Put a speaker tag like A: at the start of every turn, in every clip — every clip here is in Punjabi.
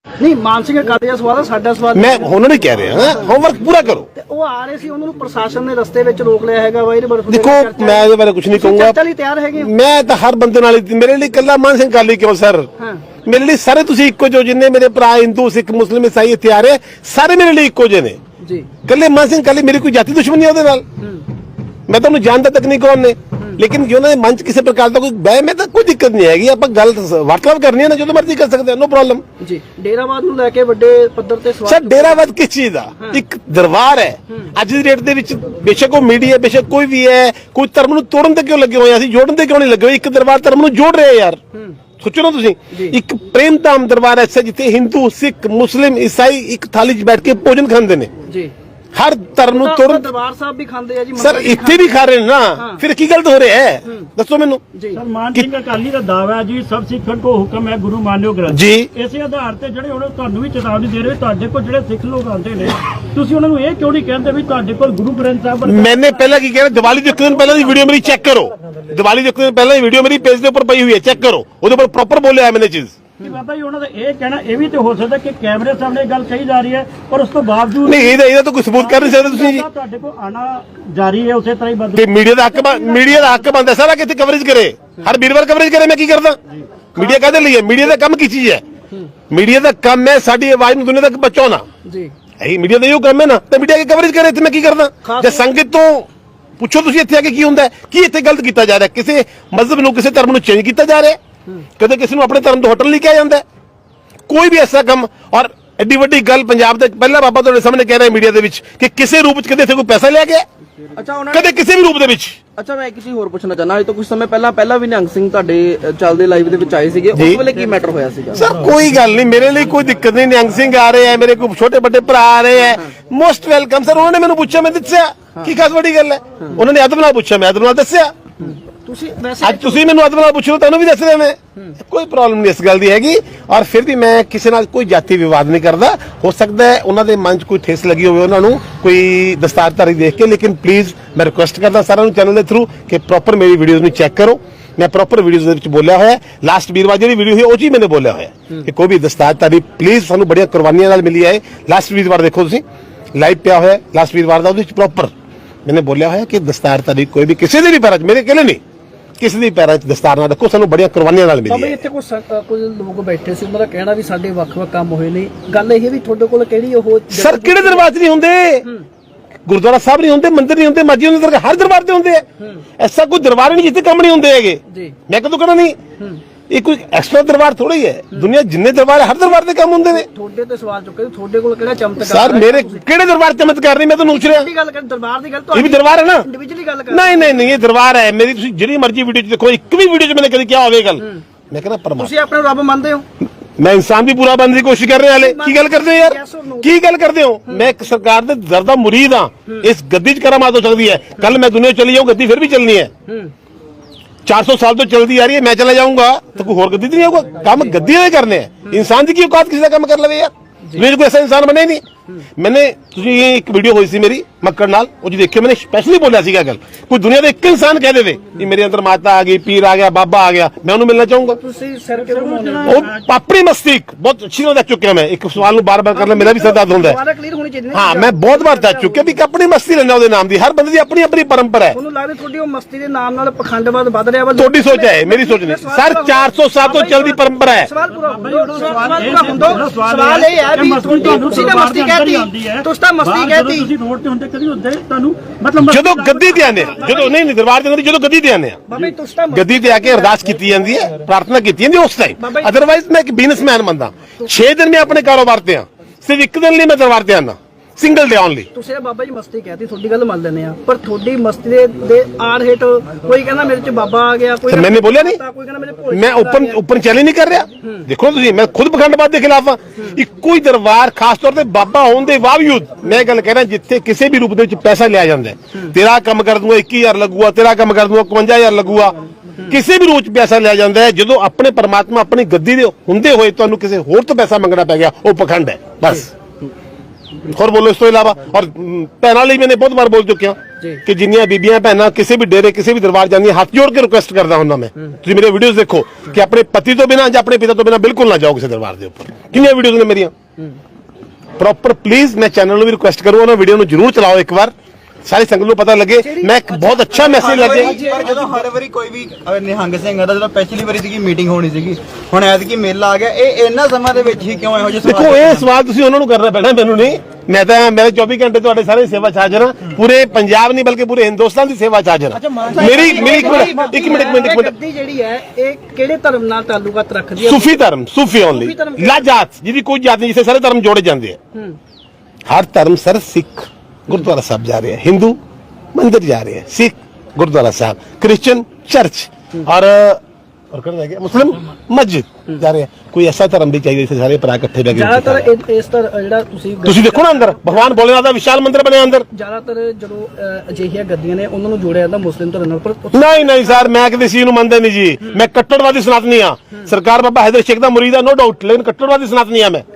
A: ਨਹੀਂ ਮਾਨ ਸਿੰਘ ਅਕਾਲੀ ਦਾ ਸਵਾਲ ਹੈ, ਸਾਡਾ ਸਵਾਲ
B: ਮੈਂ ਉਹਨਾਂ ਨੇ ਕਹਿ ਰਿਹਾ ਹੋਮਵਰਕ ਪੂਰਾ ਕਰੋ।
A: ਤੇ ਉਹ ਆ ਰਹੇ ਸੀ, ਉਹਨਾਂ ਨੂੰ ਪ੍ਰਸ਼ਾਸਨ ਨੇ ਰਸਤੇ ਵਿੱਚ ਰੋਕ ਲਿਆ ਹੈਗਾ ਵਾ। ਇਹਦੇ ਬਾਰੇ
B: ਦੇਖੋ ਮੈਂ ਇਹਦੇ ਬਾਰੇ ਕੁਝ ਨਹੀਂ ਕਹੂੰਗਾ।
A: ਚਰਚਾ ਲਈ ਤਿਆਰ ਹੈਗੇ?
B: ਮੈਂ ਤਾਂ ਹਰ ਬੰਦੇ ਨਾਲ ਮੇਰੇ ਲਈ ਇਕੱਲਾ ਮਾਨ ਸਿੰਘ ਅਕਾਲੀ ਕਿਉਂ ਸਰ, ਮੇਰੇ ਲਈ ਸਾਰੇ ਤੁਸੀਂ ਇੱਕੋ ਜੋ, ਜਿੰਨੇ ਮੇਰੇ ਭਰਾ ਹਿੰਦੂ ਸਿੱਖ ਮੁਸਲਿਮ ਈਸਾਈ ਇੱਥੇ ਆ ਰਹੇ ਸਾਰੇ ਮੇਰੇ ਲਈ ਇੱਕੋ ਜਿਹੇ ਨੇ
A: ਜੀ।
B: ਇਕੱਲੇ ਮਾਨ ਸਿੰਘ ਅਕਾਲੀ ਮੇਰੀ ਕੋਈ ਜਾਤੀ ਦੁਸ਼ਮਣੀ ਉਹਦੇ ਨਾਲ, ਮੈਂ ਤੁਹਾਨੂੰ ਜਾਣਦਾ ਤੱਕ ਨਹੀਂ ਕੌਣ ਨੇ, ਲੇਕਿਨ ਜੋ ਉਹਨਾਂ ਦੇ ਮਨ ਚ ਕਿਸੇ ਪ੍ਰਕਾਰ ਦਾ ਕੋਈ ਬਹਿਮ ਹੈ ਤਾਂ ਕੋਈ ਦਿੱਕਤ ਨਹੀਂ ਹੈਗੀ। ਆਪਾਂ ਗੱਲ ਵਾਰਤਾਲਾਪ ਕਰਨੀ ਹੈ ਨਾ, ਜਦੋਂ ਮਰਜ਼ੀ ਕਰ ਸਕਦੇ ਹਾਂ, ਨੋ ਪ੍ਰੋਬਲਮ
A: ਜੀ। ਡੇਰਾਵਾਦ ਨੂੰ ਲੈ ਕੇ ਵੱਡੇ ਪੱਧਰ ਤੇ ਸਵਾਲ।
B: ਸਰ ਡੇਰਾਵਾਦ ਕਿਸ ਚੀਜ਼ ਦਾ? ਇੱਕ ਦਰਬਾਰ ਹੈ। ਅੱਜ ਦੀ ਡੇਟ ਦੇ ਵਿੱਚ ਬੇਸ਼ੱਕ ਉਹ ਮੀਡੀਆ ਬੇਸ਼ੱਕ ਕੋਈ ਵੀ ਹੈ, ਕੋਈ ਧਰਮ ਨੂੰ ਤੋੜਨ ਤੇ ਕਿਉਂ ਲੱਗੇ ਹੋਏ, ਅਸੀਂ ਜੋੜਨ ਤੇ ਕਿਉਂ ਨਹੀਂ ਲੱਗੇ ਹੋਏ? ਇੱਕ ਦਰਬਾਰ ਧਰਮ ਨੂੰ ਜੋੜ ਰਿਹਾ ਯਾਰ, ਸੋਚੋ ਨਾ ਤੁਸੀਂ। ਇੱਕ ਪ੍ਰੇਮ ਧਾਮ ਦਰਬਾਰ ਐਸਾ ਜਿੱਥੇ ਹਿੰਦੂ ਸਿੱਖ ਮੁਸਲਿਮ ਈਸਾਈ ਇੱਕ ਥਾਲੀ 'ਚ ਬੈਠ ਕੇ ਭੋਜਨ ਖਾਂਦੇ ਨੇ
A: ਜੀ।
B: ਹਰ ਧਰਮ ਨੂੰ ਤੋੜਨ।
A: ਦਰਬਾਰ ਸਾਹਿਬ ਵੀ ਖਾਂਦੇ ਆ ਜੀ
B: ਸਰ, ਇੱਥੇ ਵੀ ਖਾ ਰਹੇ ਨੇ ਨਾ, ਫਿਰ ਕੀ ਗਲਤ ਹੋ ਰਿਹਾ ਹੈ ਦੱਸੋ ਮੈਨੂੰ।
C: ਸਰ ਮਾਨ ਸਿੰਘ ਅਕਾਲੀ ਦਾ ਦਾਅਵਾ ਹੈ ਜੀ ਸਭ ਸਿੱਖਾਂ ਕੋ ਹੁਕਮ ਹੈ ਗੁਰੂ ਮਾਨਿਓ ਗ੍ਰੰਥ
B: ਜੀ।
C: ਇਸੇ ਆਧਾਰ ਤੇ ਜਿਹੜੇ ਹੁਣ ਤੁਹਾਨੂੰ ਵੀ ਚੇਤਾਵਨੀ ਦੇ ਰਹੇ, ਤੁਹਾਡੇ ਕੋਲ ਜਿਹੜੇ ਸਿੱਖ ਲੋਕ ਆਉਂਦੇ ਨੇ, ਤੁਸੀਂ ਉਹਨਾਂ ਨੂੰ ਇਹ ਕਿਉਂ ਨਹੀਂ ਕਹਿੰਦੇ ਵੀ ਤੁਹਾਡੇ ਕੋਲ ਗੁਰੂ ਗ੍ਰੰਥ ਸਾਹਿਬ?
B: ਮੈंने ਪਹਿਲਾਂ ਕੀ ਕਿਹਾ, ਦੀਵਾਲੀ ਦੇ ਇੱਕ ਦਿਨ ਪਹਿਲਾਂ ਦੀ ਵੀਡੀਓ ਮੇਰੀ ਚੈੱਕ ਕਰੋ। ਦੀਵਾਲੀ ਦੇ ਇੱਕ ਦਿਨ ਪਹਿਲਾਂ ਦੀ ਵੀਡੀਓ ਮੇਰੀ ਪੇਜ ਦੇ ਉੱਪਰ ਪਈ ਹੋਈ ਹੈ, ਚੈੱਕ ਕਰੋ, ਉਹਦੇ ਉੱਪਰ ਪ੍ਰੋਪਰ ਬੋਲਿਆ ਹੈ ਮੈंने ਚੀਜ਼।
C: ਬਾਬਾ ਜੀ ਉਹਨਾਂ ਦਾ ਇਹ ਕਹਿਣਾ ਇਹ ਵੀ ਤੇ ਹੋ ਸਕਦਾ ਕਿ ਕੈਮਰੇ ਸਾਹਮਣੇ ਗੱਲ ਕਹੀ ਜਾ ਰਹੀ ਹੈ ਪਰ ਉਸ ਤੋਂ ਬਾਵਜੂਦ
B: ਨਹੀਂ ਇਹਦਾ ਤਾਂ ਕੋਈ ਸਬੂਤ ਕਰ ਨਹੀਂ ਸਕਦੇ ਤੁਸੀਂ ਜੀ।
C: ਤੁਹਾਡੇ ਕੋਲ ਆਣਾ ਜਾਰੀ ਹੈ ਉਸੇ ਤਰ੍ਹਾਂ ਹੀ ਬੰਦ।
B: ਕਿ ਮੀਡੀਆ ਦਾ ਹੱਕ ਬਣਦਾ ਸਾਰਾ ਕਿਤੇ ਕਵਰੇਜ ਕਰੇ, ਹਰ ਵੀਰਵਾਰ ਕਵਰੇਜ ਕਰੇ। ਮੈਂ ਕੀ ਕਰਦਾ? ਮੀਡੀਆ ਕਾਹਦੇ ਲਈ ਹੈ? ਮੀਡੀਆ ਦਾ ਕੰਮ ਕੀ ਚੀਜ਼ ਹੈ? ਮੀਡੀਆ ਦਾ ਕੰਮ ਹੈ ਸਾਡੀ ਆਵਾਜ਼ ਨੂੰ ਦੁਨੀਆ ਤੱਕ ਪਹੁੰਚਾਉਣਾ ਜੀ। ਇਹੀ ਮੀਡੀਆ ਦਾ ਇਹੋ ਕੰਮ ਹੈ ਨਾ, ਤੇ ਮੀਡੀਆ ਕੀ ਕਵਰੇਜ ਕਰੇ। ਇੱਥੇ ਮੈਂ ਕੀ ਕਰਦਾ? ਜੇ ਸੰਗਤ ਤੋਂ ਪੁੱਛੋ ਤੁਸੀਂ ਇੱਥੇ ਆ ਕੇ ਕੀ ਹੁੰਦਾ, ਕੀ ਇੱਥੇ ਗਲਤ ਕੀਤਾ ਜਾ ਰਿਹਾ, ਕਿਸੇ ਮਜ਼ਹਬ ਨੂੰ ਕਿਸੇ ਧਰਮ ਨੂੰ ਚੇਂਜ ਕੀਤਾ ਜਾ ਰਿਹਾ, ਕਦੇ ਕਿਸੇ ਨੂੰ ਆਪਣੇ ਧਰਮ ਤੋਂ ਹਟਣ ਲਈ ਕਿਹਾ ਜਾਂਦਾ, ਕੋਈ ਵੀ ਐਸਾ ਕੰਮ। ਔਰ ਐਡੀ ਵੱਡੀ ਗੱਲ ਪੰਜਾਬ ਦੇ ਪਹਿਲਾ ਬਾਬਾ ਤੁਹਾਡੇ ਸਾਹਮਣੇ ਕਹਿ ਰਿਹਾ ਮੀਡੀਆ ਦੇ ਵਿੱਚ ਕਿ ਕਿਸੇ ਰੂਪ ਵਿੱਚ ਕਦੇ ਇੱਥੇ ਕੋਈ ਪੈਸਾ ਲਿਆ ਗਿਆ?
A: ਅੱਛਾ ਉਹਨਾਂ
B: ਕਦੇ ਕਿਸੇ ਵੀ ਰੂਪ ਦੇ ਵਿੱਚ।
A: ਅੱਛਾ ਮੈਂ ਇੱਕ ਚੀਜ਼ ਹੋਰ ਪੁੱਛਣਾ ਚਾਹਨਾ, ਅੱਜ ਤੋਂ ਕੁਝ ਸਮੇਂ ਪਹਿਲਾਂ ਵੀ ਨਿਹੰਗ ਸਿੰਘ ਤੁਹਾਡੇ ਚੱਲਦੇ ਲਾਈਵ ਦੇ ਵਿੱਚ ਆਏ ਸੀਗੇ, ਉਸ ਵੇਲੇ ਕੀ ਮੈਟਰ ਹੋਇਆ ਸੀਗਾ?
B: ਸਰ ਕੋਈ ਗੱਲ ਨਹੀਂ, ਮੇਰੇ ਲਈ ਕੋਈ ਦਿੱਕਤ ਨਹੀਂ। ਨਿਹੰਗ ਸਿੰਘ ਆ ਰਹੇ ਹੈ, ਮੇਰੇ ਕੋਈ ਛੋਟੇ ਵੱਡੇ ਭਰਾ ਆ ਰਹੇ ਹੈ, ਮੋਸਟ ਵੈਲਕਮ ਸਰ। ਉਹਨਾਂ ਨੇ ਮੈਨੂੰ ਪੁੱਛਿਆ, ਮੈਂ ਦੱਸਿਆ, ਕੀ ਖਾਸ ਵੱਡੀ ਗੱਲ ਹੈ? ਉਹਨਾਂ ਨੇ ਅਦਬ ਨਾਲ ਪੁੱਛਿਆ, ਮੈਂ ਅਦਬ ਨਾਲ ਦੱਸਿਆ।
A: ਤੁਸੀਂ ਵੈਸੇ
B: ਅੱਜ ਤੁਸੀਂ ਮੈਨੂੰ ਅਦਬ ਨਾਲ ਪੁੱਛੋ, ਤੁਹਾਨੂੰ ਵੀ ਦੱਸ ਰਿਹਾ ਮੈਂ, ਕੋਈ ਪ੍ਰੋਬਲਮ ਨਹੀਂ ਇਸ ਗੱਲ ਦੀ ਹੈਗੀ। ਔਰ ਫਿਰ ਵੀ ਮੈਂ ਕਿਸੇ ਨਾਲ ਕੋਈ ਜਾਤੀ ਵਿਵਾਦ ਨਹੀਂ ਕਰਦਾ। ਹੋ ਸਕਦਾ ਹੈ ਉਹਨਾਂ ਦੇ ਮਨ 'ਚ ਕੋਈ ਠੇਸ ਲੱਗੀ ਹੋਵੇ ਉਹਨਾਂ ਨੂੰ ਕੋਈ ਦਸਤਾਰਧਾਰੀ ਦੇਖ ਕੇ, ਲੇਕਿਨ ਪਲੀਜ਼ ਮੈਂ ਰਿਕੁਐਸਟ ਕਰਦਾ ਸਾਰਿਆਂ ਨੂੰ ਚੈਨਲ ਦੇ ਥਰੂ ਕਿ ਪ੍ਰੋਪਰ ਮੇਰੀ ਵੀਡੀਓਜ਼ ਨੂੰ ਚੈੱਕ ਕਰੋ। ਮੈਂ ਪ੍ਰੋਪਰ ਵੀਡੀਓਜ਼ ਦੇ ਵਿੱਚ ਬੋਲਿਆ ਹੋਇਆ, ਲਾਸਟ ਵੀਰਵਾਰ ਜਿਹੜੀ ਵੀਡੀਓ ਹੋਈ ਉਹ 'ਚ ਹੀ ਮੈंने ਬੋਲਿਆ ਹੋਇਆ ਕਿ ਕੋਈ ਵੀ ਦਸਤਾਰਧਾਰੀ ਪਲੀਜ਼, ਸਾਨੂੰ ਬੜੀਆਂ ਕੁਰਬਾਨੀਆਂ ਨਾਲ ਮਿਲੀ ਹੈ। ਲਾਸਟ ਵੀਰਵਾਰ ਦੇਖੋ ਤੁਸੀਂ, ਲਾਈਵ ਪਿਆ ਹੋਇਆ ਲਾਸਟ ਵੀਰਵਾਰ ਦਾ, ਉਹਦੇ ਵਿੱਚ ਪ੍ਰੋਪਰ मैंने बोलिया है कि दस्तारधारी कोई भी किसी भी पैरा मेरे अकेले नहीं, किसी भी पैरा दस्तार ना रखो, सानू बड़िया कुर्बानियां नाल मिली है।
A: ਇੱਥੇ ਕੁਝ ਲੋਕ ਬੈਠੇ ਸੀ, ਉਹਨਾਂ ਦਾ ਕਹਿਣਾ ਵੀ ਸਾਡੇ ਵੱਖ-ਵੱਖ ਕੰਮ ਹੋਏ ਨੇ। ਗੱਲ ਇਹ ਵੀ ਤੁਹਾਡੇ ਕੋਲ ਕਿਹੜੀ ਉਹ
B: ਸਰ ਕਿਹੜੇ ਦਰਬਾਰ 'ਚ ਨਹੀਂ ਹੁੰਦੇ? ਗੁਰਦੁਆਰਾ ਸਾਹਿਬ ਨਹੀਂ ਹੁੰਦੇ, ਮੰਦਿਰ ਨਹੀਂ ਹੁੰਦੇ, ਮਸਜਿਦ ਹੁੰਦੇ, ਹਰ ਦਰਬਾਰ ਤੇ ਹੁੰਦੇ ਆ। ਐਸਾ ਕੋਈ ਦਰਬਾਰ ਨਹੀਂ ਜਿੱਥੇ ਕੰਮ ਨਹੀਂ ਹੁੰਦੇ ਹੈਗੇ। ਮੈਂ ਕਦੋਂ ਕਹਿਣਾ ਨਹੀਂ, ਇਹ ਕੋਈ ਐਕਸਟਰਾ ਦਰਬਾਰ ਥੋੜਾ ਹੀ ਹੈ। ਦੁਨੀਆ ਜਿੰਨੇ ਦਰਬਾਰ ਹਰ ਦਰਬਾਰ ਤੇ ਕੰਮ ਹੁੰਦੇ ਨੇ।
A: ਤੁਹਾਡੇ ਤੇ ਸਵਾਲ ਚੁੱਕੇ, ਤੁਹਾਡੇ ਕੋਲ ਕਿਹੜਾ ਚਮਤਕਾਰ?
B: ਸਰ ਮੇਰੇ ਕਿਹੜੇ ਦਰਬਾਰ ਚਮਤਕਾਰ ਨਹੀਂ, ਮੈਂ ਤੁਹਾਨੂੰ ਪੁੱਛ ਰਿਹਾ।
A: ਗੱਲ ਕਰ ਦਰਬਾਰ ਦੀ ਗੱਲ,
B: ਇਹ ਵੀ ਦਰਬਾਰ ਹੈ ਨਾ,
A: ਇੰਡੀਵਿਜੂਅਲੀ ਗੱਲ ਕਰ।
B: ਨਹੀਂ ਇਹ ਦਰਬਾਰ ਹੈ ਮੇਰੀ। ਤੁਸੀਂ ਜਿਹੜੀ ਮਰਜ਼ੀ ਵੀਡੀਓ 'ਚ ਦੇਖੋ, ਇੱਕ ਵੀ ਵੀਡੀਓ 'ਚ ਮੈंने ਕਦੀ ਕਿਹਾ ਹੋਵੇ ਗੱਲ। ਮੈਂ ਕਹਿੰਦਾ ਪਰਮਾਤਮਾ,
A: ਤੁਸੀਂ ਆਪਣੇ ਰੱਬ ਮੰਨਦੇ ਹੋ?
B: ਮੈਂ ਇਨਸਾਨ ਵੀ ਪੂਰਾ ਬਣਨ ਦੀ ਕੋਸ਼ਿਸ਼ ਕਰ ਰਿਹਾ। ਹਾਲੇ ਕੀ ਗੱਲ ਕਰਦੇ ਹੋ ਯਾਰ, ਕੀ ਗੱਲ ਕਰਦੇ ਹੋ? ਮੈਂ ਇੱਕ ਸਰਕਾਰ ਦੇ ਜ਼ਰਦਾ ਮੁਰੀਦ ਹਾਂ। ਇਸ ਗੱਦੀ 'ਚ ਕਰਾਮਾਤ ਹੋ ਸਕਦੀ ਹੈ, ਕੱਲ ਮੈਂ ਦੁਨੀਆ ਚਲੀ ਜਾਊਂ, ਗੱਦੀ ਫਿਰ ਵੀ ਚੱਲਣੀ ਹੈ। 400 ਸਾਲ ਤੋਂ ਚਲਦੀ ਆ ਰਹੀ ਹੈ, मैं चला जाऊंगा तो कोई और गद्दी नहीं होगा। काम गद्दी ने करने हैं। इंसान की औकात किसी का काम कर लवे यार, दुनिया कोई ऐसा इंसान बने नहीं। मैंने एक वीडियो हुई सी मेरी मक्कड़ नाल, वो जी देखियो, मैंने स्पेशली बोलिया सीगा गल, कोई दुनिया का एक इंसान कह दे कि मेरे अंदर माता आ गई, पीर आ गया, बाबा आ गया, मैं उन्हें मिलना चाहूंगा। अपनी मस्ती बहुत अच्छी तरह चुके हैं। मैं एक सवाल बार बार करना मेरा भी सर दर्द होता है। हाँ मैं बहुत बार दस चुके भी अपनी मस्ती लेना ਉਹਦੇ ਨਾਮ ਦੀ। ਹਰ ਬੰਦੇ ਦੀ ਆਪਣੀ ਆਪਣੀ ਪਰੰਪਰਾ ਹੈ।
A: ਤੁਹਾਨੂੰ ਲੱਗਦਾ ਤੁਹਾਡੀ ਉਹ ਮਸਤੀ ਦੇ ਨਾਮ ਨਾਲ ਪਖੰਡਵਾਦ ਵੱਧ ਰਿਹਾ ਵਾ?
B: ਤੁਹਾਡੀ ਸੋਚ ਹੈ, ਮੇਰੀ ਸੋਚ ਨਹੀਂ ਸਰ। 400 ਸਾਲ ਤੋਂ ਚੱਲਦੀ ਪਰੰਪਰਾ ਹੈ।
A: ਸਵਾਲ ਇਹ ਹੈ ਵੀ ਤੁਸੀਂ ਤਾਂ ਮਸਤੀ ਕਹਿਤੀ, ਤੁਸੀਂ ਤਾਂ ਮਸਤੀ ਕਹਿਤੀ।
C: ਤੁਸੀਂ ਰੋਡ ਤੇ ਹੁੰਦੇ ਕਦੀ ਹੁੰਦੇ ਤੁਹਾਨੂੰ ਮਤਲਬ
B: ਜਦੋਂ ਗੱਦੀ ਤੇ ਆਨੇ, ਜਦੋਂ ਨਹੀਂ ਦਰਬਾਰ ਦੇ ਅੰਦਰ ਜਦੋਂ ਗੱਦੀ ਤੇ ਆਨੇ
A: ਬਾਬਾ ਜੀ ਤੁਸੀਂ ਤਾਂ
B: ਗੱਦੀ ਤੇ ਆ ਕੇ ਅਰਦਾਸ ਕੀਤੀ ਜਾਂਦੀ ਹੈ, ਪ੍ਰਾਰਥਨਾ ਕੀਤੀ ਜਾਂਦੀ ਉਸ ਟਾਈਮ। ਅਦਰਵਾਈਜ਼ ਮੈਂ ਇੱਕ ਬਿਜ਼ਨਸਮੈਨ ਬੰਦਾ, 6 ਦਿਨ ਮੈਂ ਆਪਣੇ ਕਾਰੋਬਾਰ ਤੇ ਆ, ਸਿਰਫ ਇੱਕ ਦਿਨ ਲਈ ਮੈਂ ਦਰਬਾਰ ਤੇ ਆਨਾ, ਸਿੰਗਲ ਡੇ ਓਨਲੀ।
A: ਤੁਸੀਂ ਬਾਬਾ ਜੀ ਮਸਤੀ ਕਹਿਤੀ, ਤੁਹਾਡੀ ਗੱਲ ਮੰਨ ਲੈਂਦੇ ਆ, ਪਰ ਤੁਹਾਡੀ ਮਸਤੀ ਦੇ ਆੜ ਹੇਠ ਕੋਈ ਕਹਿੰਦਾ ਮੇਰੇ ਚ ਬਾਬਾ ਆ ਗਿਆ, ਕੋਈ
B: मैंने बोलिया नहीं,
A: ਕੋਈ ਕਹਿੰਦਾ ਮੇਰੇ ਭੋਲੇ
B: मैं ਓਪਨ ਚੈलेंज नहीं कर रहा। देखो ਤੁਸੀਂ, मैं खुद ਪਖੰਡਵਾਦ ਦੇ ਖਿਲਾਫ ਆ। ਇੱਕੋ ਹੀ ਦਰਬਾਰ ਖਾਸ ਤੌਰ ਤੇ ਬਾਬਾ ਹੋਣ ਦੇ ਬਾਵਜੂਦ ਮੈਂ ਗੱਲ ਕਹਿ ਰਿਹਾ, ਜਿੱਥੇ ਕਿਸੇ ਵੀ ਰੂਪ ਦੇ ਵਿੱਚ ਪੈਸਾ ਲਿਆ ਜਾਂਦਾ, ਤੇਰਾ ਕੰਮ ਕਰ ਦੂੰਗਾ 21000 ਲੱਗੂਗਾ, ਤੇਰਾ ਕੰਮ ਕਰ ਦੂੰਗਾ 51000 ਲੱਗੂਗਾ, ਕਿਸੇ ਵੀ ਰੂਪ ਚ ਪੈਸਾ ਲਿਆ ਜਾਂਦਾ ਹੈ। ਜਦੋਂ ਆਪਣੇ ਪਰਮਾਤਮਾ ਆਪਣੀ ਗੱਦੀ ਦੇ ਹੁੰਦੇ ਹੋਏ ਤੁਹਾਨੂੰ ਕਿਸੇ ਹੋਰ ਤੋਂ ਪੈਸਾ ਮੰਗਣਾ ਪੈ ਗਿਆ, ਉਹ ਪਖੰਡ ਹੈ ਬਸ। ਹੋਰ ਬੋਲੋ ਇਸ ਤੋਂ ਇਲਾਵਾ। ਔਰ ਭੈਣਾਂ ਲਈ ਮੈंने ਬਹੁਤ ਵਾਰ ਬੋਲ ਚੁੱਕਿਆ ਕਿ ਜਿੰਨੀਆਂ ਬੀਬੀਆਂ ਭੈਣਾਂ ਕਿਸੇ ਵੀ ਡੇਰੇ ਕਿਸੇ ਵੀ ਦਰਬਾਰ ਜਾਂਦੀਆਂ ਹੱਥ ਜੋੜ ਕੇ ਰਿਕੁਐਸਟ ਕਰਦਾ ਹੁੰਦਾ ਮੈਂ, ਤੁਸੀਂ ਮੇਰੇ ਵੀਡੀਓਜ਼ ਦੇਖੋ ਕਿ ਆਪਣੇ ਪਤੀ ਤੋਂ ਬਿਨਾਂ ਜਾਂ ਆਪਣੇ ਪਿਤਾ ਤੋਂ ਬਿਨਾਂ ਬਿਲਕੁਲ ਨਾ ਜਾਓ ਕਿਸੇ ਦਰਬਾਰ ਦੇ ਉੱਪਰ। ਕਿੰਨੀਆਂ ਵੀਡੀਓਜ਼ ਨੇ ਮੇਰੀਆਂ ਪ੍ਰੋਪਰ। ਪਲੀਜ਼ ਮੈਂ ਚੈਨਲ ਨੂੰ ਵੀ ਰਿਕੁਐਸਟ ਕਰੂੰ ਉਹਨਾਂ ਵੀਡੀਓ ਨੂੰ ਜ਼ਰੂਰ ਚਲਾਓ ਇੱਕ ਵਾਰ, ਸਾਰੀ ਸੰਗਤ ਨੂੰ ਪਤਾ ਲੱਗੇ। ਮੈਂ ਇੱਕ ਬਹੁਤ ਅੱਛਾ ਮੈਸੇਜ ਲੱਗੇ।
D: ਪਰ ਜਦੋਂ ਹਰ ਵਾਰੀ ਕੋਈ ਵੀ ਨਿਹੰਗ ਸਿੰਘ ਆਦਾ, ਜਦੋਂ ਪਿਛਲੀ ਵਾਰੀ ਸੀਗੀ ਮੀਟਿੰਗ ਹੋਣੀ ਸੀਗੀ, ਹੁਣ ਐਤਕੀ ਮੇਲਾ ਆ ਗਿਆ, ਇਹ ਇੰਨਾ ਸਮਾਂ ਦੇ ਵਿੱਚ ਹੀ ਕਿਉਂ ਇਹੋ ਜਿਹੇ
B: ਦੇਖੋ ਇਹ ਸਵਾਲ ਤੁਸੀਂ ਉਹਨਾਂ ਨੂੰ ਕਰਨਾ ਪੈਣਾ, ਮੈਨੂੰ ਨਹੀਂ। ਮੈਂ ਤਾਂ ਮੇਰੇ 24 ਘੰਟੇ ਤੁਹਾਡੇ ਸਾਰੇ ਸੇਵਾ ਚ ਹਾਜ਼ਰ ਹਾਂ, ਪੂਰੇ ਪੰਜਾਬ ਨਹੀਂ ਬਲਕਿ ਪੂਰੇ ਹਿੰਦੁਸਤਾਨ ਦੀ ਸੇਵਾ ਚ ਹਾਜ਼ਰ ਹਾਂ। ਮੇਰੀ ਇੱਕ ਮਿੰਟ
A: ਗੱਦੀ ਜਿਹੜੀ ਹੈ ਇਹ ਕਿਹੜੇ ਧਰਮ ਨਾਲ ਤਾਲੁਕਾਤ ਰੱਖਦੀ ਹੈ?
B: ਸੂਫੀ ਧਰਮ, ਸੂਫੀ ਓਨਲੀ, ਲਾ ਜਾਤ ਜਿਹਦੀ ਕੋਈ ਜਾਤ ਨਹੀਂ, ਜਿੱਥੇ ਸਾਰੇ ਧਰਮ ਜੋੜੇ ਜਾਂਦੇ ਆ। ਹਰ ਧਰਮ ਸਰ ਸਿੱਖ गुरुद्वारा साहब जा रहे हैं, हिंदू मंदिर जा रहे हैं, सिख गुरुद्वारा साहब, क्रिश्चियन चर्च और कर रह गया मुस्लिम मस्जिद जा रहे हैं। कोई ऐसा धर्म भी चाहिए जिसे सारे भरा इकट्ठे बैठ
A: ਜ਼ਿਆਦਾਤਰ ਇਸ ਤਰ੍ਹਾਂ ਜਿਹੜਾ
B: ਤੁਸੀਂ ਦੇਖੋ ਨਾ ਅੰਦਰ ਭਗਵਾਨ ਭੋਲੇਨਾਥ ਦਾ ਵਿਸ਼ਾਲ ਮੰਦਿਰ ਬਣਿਆ ਅੰਦਰ।
A: ਜ਼ਿਆਦਾਤਰ ਜਦੋਂ ਅਜਿਹੀਆਂ ਗੱਦੀਆਂ ਨੇ ਉਹਨਾਂ ਨੂੰ ਜੋੜਿਆ ਜਾਂਦਾ ਮੁਸਲਿਮ ਧਰਮ ਨਾਲ, ਪਰ
B: ਨਹੀਂ ਸਰ, ਮੈਂ ਕਿਸੇ ਚੀਜ਼ ਨੂੰ ਮੰਨਦਾ ਨਹੀਂ ਜੀ। ਮੈਂ ਕੱਟੜਵਾਦੀ ਸਨਾਤਨੀ ਆ। ਸਰਕਾਰ ਬਾਬਾ ਹੈਦਰ ਸ਼ੇਖ ਦਾ ਮੁਰੀਦ ਆ, ਨੋ ਡਾਊਟ, ਲੇਕਿਨ ਕੱਟੜਵਾਦੀ ਸਨਾਤਨੀ ਆ ਮੈਂ।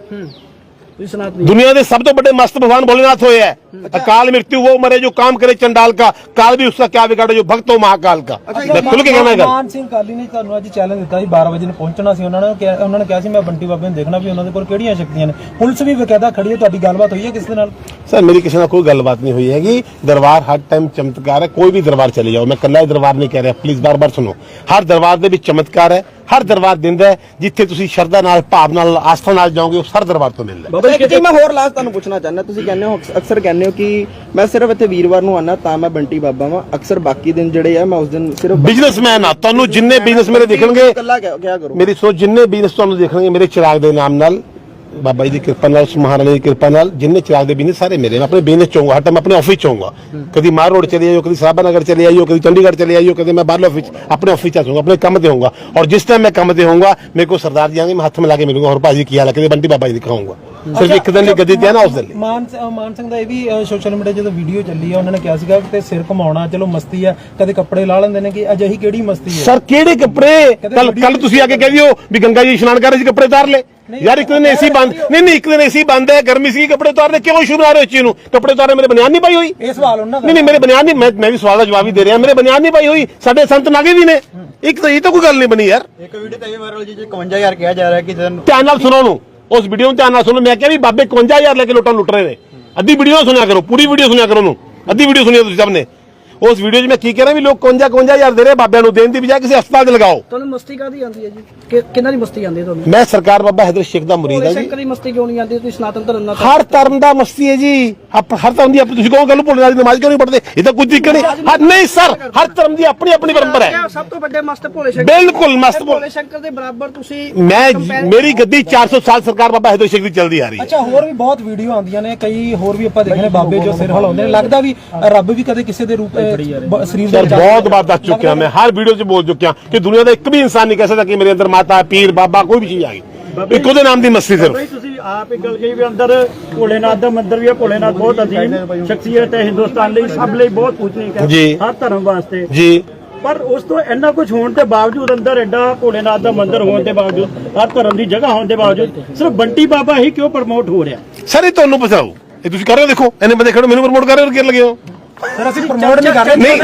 B: दुनिया के सब तो बड़े मस्त भगवान भोलेनाथ हुए हैं। अकाल मृत्यु वो मरे जो काम करे चंडाल का, काल भी उसका क्या बिगाड़े जो भक्त हो महाकाल का। मैं खुल के कहना है।
E: ਮਾਨ ਸਿੰਘ ਕਾਲੀ ਨੇ ਤੁਹਾਨੂੰ ਅੱਜ ਚੈਲੰਜ ਦਿੱਤਾ ਸੀ 12 ਵਜੇ ਨੂੰ ਪਹੁੰਚਣਾ ਸੀ। ਉਹਨਾਂ ਨੇ ਕਿਹਾ ਸੀ ਮੈਂ ਬੰਟੀ ਬਾਬੇ ਨੂੰ ਦੇਖਣਾ ਵੀ ਉਹਨਾਂ ਦੇ ਕੋਲ ਕਿਹੜੀਆਂ ਸ਼ਕਤੀਆਂ ਨੇ। ਪੁਲਿਸ ਵੀ ਬਕਾਇਦਾ ਖੜੀ ਹੈ। ਤੁਹਾਡੀ ਗੱਲਬਾਤ ਹੋਈ ਹੈ ਕਿਸੇ ਦੇ ਨਾਲ?
B: सर मेरी किसी ਨਾਲ ਕੋਈ ਗੱਲਬਾਤ नहीं हुई हैगी। दरबार हर टाइम चमत्कार है, कोई भी दरबार चले जाओ, मैं कल्ला दरबार नहीं कह रहा, प्लीज बार बार सुनो। हर दरबार ਦੇ ਵਿੱਚ ਚਮਤਕਾਰ ਹੈ, ਹਰ ਦਰਬਾਰ ਦਿੰਦਾ ਹੈ। ਜਿੱਥੇ ਤੁਸੀਂ ਸ਼ਰਧਾ ਨਾਲ, ਭਾਵ ਨਾਲ, ਆਸਥਾ ਨਾਲ ਜਾਓਗੇ ਉਸ ਹਰ ਦਰਬਾਰ ਤੋਂ ਮਿਲਦਾ ਹੈ।
D: ਬਾਬਾ ਜੀ ਮੈਂ ਹੋਰ ਲਾਸਟ ਤੁਹਾਨੂੰ ਪੁੱਛਣਾ ਚਾਹੁੰਦਾ, ਤੁਸੀਂ ਕਹਿੰਦੇ ਹੋ ਅਕਸਰ ਕਹਿੰਦੇ ਹੋ ਕਿ ਮੈਂ ਸਿਰਫ ਇੱਥੇ ਵੀਰਵਾਰ ਨੂੰ ਆਣਾ ਤਾਂ ਮੈਂ ਬੰਟੀ ਬਾਬਾ ਵਾਂ, ਅਕਸਰ ਬਾਕੀ ਦਿਨ ਜਿਹੜੇ ਆ ਮੈਂ ਉਸ ਦਿਨ ਸਿਰਫ
B: ਬਿਜ਼ਨਸਮੈਨ ਆ। ਤੁਹਾਨੂੰ ਜਿੰਨੇ ਬਿਜ਼ਨਸ ਮੇਰੇ ਦੇਖਣਗੇ,
D: ਇਕੱਲਾ ਕਿਆ ਕਰੋ
B: ਮੇਰੀ ਸੋਚ ਜਿੰਨੇ ਬਿਜ਼ਨਸ ਤੁਹਾਨੂੰ ਦੇਖਣਗੇ ਮੇਰੇ ਚਿਰਾਗ ਦੇ ਨਾਮ ਨਾਲ, ਬਾਬਾ ਜੀ ਦੀ ਕਿਰਪਾ ਨਾਲ, ਉਸ ਮਹਾਰਾਣੀ ਦੀ ਕਿਰਪਾ ਨਾਲ, ਜਿੰਨੇ ਚਿਰਾਗ ਦੇ ਬਿਜ਼ਨਸ ਸਾਰੇ ਮੇਰੇ। ਮੈਂ ਆਪਣੇ ਬਿਜ਼ਨਸ ਚ ਹੋਊਂਗਾ, ਹਰ ਟਾਈਮ ਆਪਣੇ ਆਫਿਸ ਚ ਹੋਊਂਗਾ। ਕਦੀ ਮਾਰ ਰੋਡ ਚਲੇ ਆਇਓ, ਕਦੀ ਸਾਹਬਾ ਨਗਰ ਚਲੇ ਆਇਓ, ਕਦੀ ਚੰਡੀਗੜ੍ਹ ਚਲੇ ਆਇਓ, ਕਦੀ ਮੈਂ ਬਾਹਰਲੇ ਆਫਿਸ ਆਪਣੇ ਆਫਿਸ ਚ ਹੋਊਂਗਾ, ਆਪਣੇ ਕੰਮ ਤੇ ਹੋਊਂਗਾ। और जिस टाइम मैं काम पे होऊंगा मेरे को सरदार जी आएंगे, मैं हाथ मिला के मिलूंगा और भाजी की हाल है, बंटी बाबा जी दिखाऊंगा। सिर्फ एक दिन गद्दी दिया ना उस दिन।
E: ਮਾਨ ਸਿੰਘ ਦਾ ਇਹ ਵੀ ਸੋਸ਼ਲ ਮੀਡੀਆ ਜਦੋਂ ਵੀਡੀਓ ਚੱਲੀ ਆ, ਉਹਨਾਂ ਨੇ ਕਿਹਾ ਸੀਗਾ ਕਿ ਸਿਰ ਘੁਮਾਉਣਾ ਚਲੋ ਮਸਤੀ ਆ, ਕਦੇ ਕੱਪੜੇ ਲਾ ਲੈਂਦੇ ਨੇ, ਕਿ ਅਜਿਹੀ ਕਿਹੜੀ ਮਸਤੀ ਹੈ?
B: ਸਰ ਕਿਹੜੇ ਕੱਪੜੇ? ਕੱਲ ਤੁਸੀਂ ਆ ਕੇ ਕਹਿ ਦਿਓ ਵੀ ਗੰਗਾ ਜੀ ਇਸ਼ਨਾਨ ਕਰ ਰਹੇ ਸੀ, ਕੱਪੜੇ ਉਤਾਰ ਲੈ यार। एक दिन एसी बंद नहीं, एक दिन एसी बंद है, गर्मी सी, कपड़े उतारने क्यों शुरू आ रहे हो? चीज ਨੂੰ कपड़े उतारने मेरे बनियान नहीं पाई हुई।
E: ਇਹ ਸਵਾਲ ਉਹਨਾਂ ਦਾ
B: नहीं मेरे बनियान नहीं, मैं भी सवाल का जवाब ही दे रहा, मेरे बनियान नहीं पाई हुई। साडे संत नागे भी ने, एक तो ये तो कोई गल नहीं बनी यार।
D: ਇੱਕ ਵੀਡੀਓ ਤੇ ਇਹ ਵਾਇਰਲ ਜੀ 51000 ਕਿਹਾ ਜਾ ਰਿਹਾ ਕਿ ਜਨ
B: ਧਿਆਨ ਨਾਲ ਸੁਣੋ ਨੂੰ, ਉਸ ਵੀਡੀਓ ਨੂੰ ਧਿਆਨ ਨਾਲ ਸੁਣੋ। ਮੈਂ ਕਿਹਾ ਵੀ ਬਾਬੇ 51000 ਲੈ ਕੇ ਲੋਟਾਂ ਲੁੱਟ ਰਹੇ ਨੇ। ਅੱਧੀ ਵੀਡੀਓ ਸੁਣਿਆ ਕਰੋ, ਪੂਰੀ ਵੀਡੀਓ ਸੁਣਿਆ ਕਰੋ ਨੂੰ, ਅੱਧੀ ਵੀਡੀਓ ਸੁਣਿਆ ਤੁਸੀਂ ਸਭ ਨੇ। ਉਸ ਵੀਡੀਓ 'ਚ ਮੈਂ ਕੀ ਕਹਿ ਰਿਹਾ ਵੀ ਲੋਕ 51000 ਦੇ ਰਹੇ ਬਾਬਿਆਂ ਨੂੰ, ਦੇਣ ਦੀ ਬਜਾਏ ਕਿਸੇ ਹਸਪਤਾਲ 'ਚ ਲਗਾਓ।
A: ਤੁਹਾਨੂੰ ਮਸਤੀ ਕਾਦੀ ਆਉਂਦੀ ਹੈ ਜੀ? ਕਿਹਨਾਂ ਦੀ ਮਸਤੀ ਆਉਂਦੀ ਹੈ ਤੁਹਾਨੂੰ?
B: ਮੈਂ ਸਰਕਾਰ ਬਾਬਾ ਹੈਦਰ ਸ਼ੇਖ ਦਾ ਮੁਰੀਦ ਹਾਂ ਜੀ।
A: ਸ਼ੰਕਰ ਦੀ ਮਸਤੀ ਕਿਉਂ ਨਹੀਂ ਆਉਂਦੀ? ਤੁਸੀਂ ਸਨਾਤਨ ਧਰਮ ਨਾਲ
B: ਹਰ ਧਰਮ ਦਾ ਮਸਤੀ ਹੈ ਜੀ, ਹਰ ਧਰਮ ਦੀ ਤੁਸੀਂ ਕਹੋ ਗੱਲ ਭੋਲੇਨਾਥ ਦੀ ਨਮਾਜ਼ ਕਿਉਂ ਨਹੀਂ ਪੜ੍ਹਦੇ? ਇਹ ਤਾਂ ਕੁਝ ਤਰੀਕਾ ਨਹੀਂ। ਨਹੀਂ ਸਰ, ਹਰ ਧਰਮ ਦੀ ਆਪਣੀ ਆਪਣੀ ਪਰੰਪਰਾ ਹੈ।
A: ਸਭ ਤੋਂ ਵੱਡੇ ਮਸਤ ਭੋਲੇ ਸ਼ੰਕਰ,
B: ਬਿਲਕੁਲ ਮਸਤ
A: ਭੋਲੇ ਸ਼ੰਕਰ ਦੇ ਬਰਾਬਰ ਤੁਸੀਂ
B: ਮੇਰੀ ਗੱਦੀ 400 ਸਾਲ ਸਰਕਾਰ ਬਾਬਾ ਹੈਦਰ ਸ਼ੇਖ ਦੀ ਚੱਲਦੀ ਆ ਰਹੀ ਹੈ।
E: ਅੱਛਾ, ਹੋਰ ਵੀ ਬਹੁਤ ਵੀਡੀਓ ਆਉਂਦੀਆਂ ਨੇ, ਕਈ ਹੋਰ ਵੀ ਆਪਾਂ ਦੇਖੇ ਨੇ ਬਾਬੇ ਜੋ ਸਿਰ ਹਿਲਾਉਂਦੇ ਨੇ। ਲੱਗਦਾ ਵੀ ਰੱਬ ਵੀ ਕਦੇ ਕਿਸੇ ਦੇ ਰੂਪ ਸਰੀਰ
B: सर बहुत बार दस चुके हैं, मैं हर वीडियो से बोल चुका कि दुनिया का एक भी इंसान नहीं कह सकता कि मेरे अंदर माता, पीर, बाबा कोई भी चीज आ गई। एक ਉਹਦੇ ਨਾਮ ਦੀ ਮਸਤੀ ਸਿਰਫ।
C: ਤੁਸੀਂ ਆਪ ਇੱਕ ਗੱਲ ਕਹੀ ਵੀ ਅੰਦਰ ਭੋਲੇਨਾਥ ਦਾ ਮੰਦਿਰ ਵੀ ਹੈ। ਭੋਲੇਨਾਥ ਬਹੁਤ ਅਜ਼ੀਮ ਸ਼ਖਸੀਅਤ ਹੈ, ਹਿੰਦੁਸਤਾਨ ਲਈ ਸਭ ਲਈ ਬਹੁਤ ਪੂਜਨੀਕ ਹੈ, ਹਰ ਧਰਮ ਵਾਸਤੇ
B: ਜੀ।
C: ਪਰ ਉਸ ਤੋਂ ਇੰਨਾ ਕੁਝ ਹੋਣ ਦੇ ਬਾਵਜੂਦ, ਅੰਦਰ ਐਡਾ ਭੋਲੇਨਾਥ ਦਾ ਮੰਦਿਰ ਹੋਣ ਦੇ ਬਾਵਜੂਦ, ਹਰ ਧਰਮ ਦੀ ਜਗ੍ਹਾ ਹੋਣ ਦੇ ਬਾਵਜੂਦ ਸਿਰਫ ਬੰਟੀ ਬਾਬਾ ਹੀ ਕਿਉਂ ਪ੍ਰਮੋਟ ਹੋ ਰਿਹਾ?
B: ਸਰ ਇਹ ਤੁਹਾਨੂੰ ਪਛਾਓ, ਇਹ ਤੁਸੀਂ ਕਰ ਰਹੇ ਹੋ, ਦੇਖੋ ਇੰਨੇ ਬੰਦੇ ਖੜੇ ਮੈਨੂੰ ਪ੍ਰਮੋਟ ਕਰ ਰਹੇ ਹੋ, ਕਿਰ ਲੱਗੇ ਹੋ?
E: ਸਰ ਅਸੀਂ ਪ੍ਰਮੋਟ ਨਹੀਂ ਕਰ ਰਹੇ।
B: ਨਹੀਂ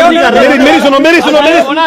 B: ਮੇਰੀ ਸੁਣੋ ਮੇਰੀ ਸੁਣੋ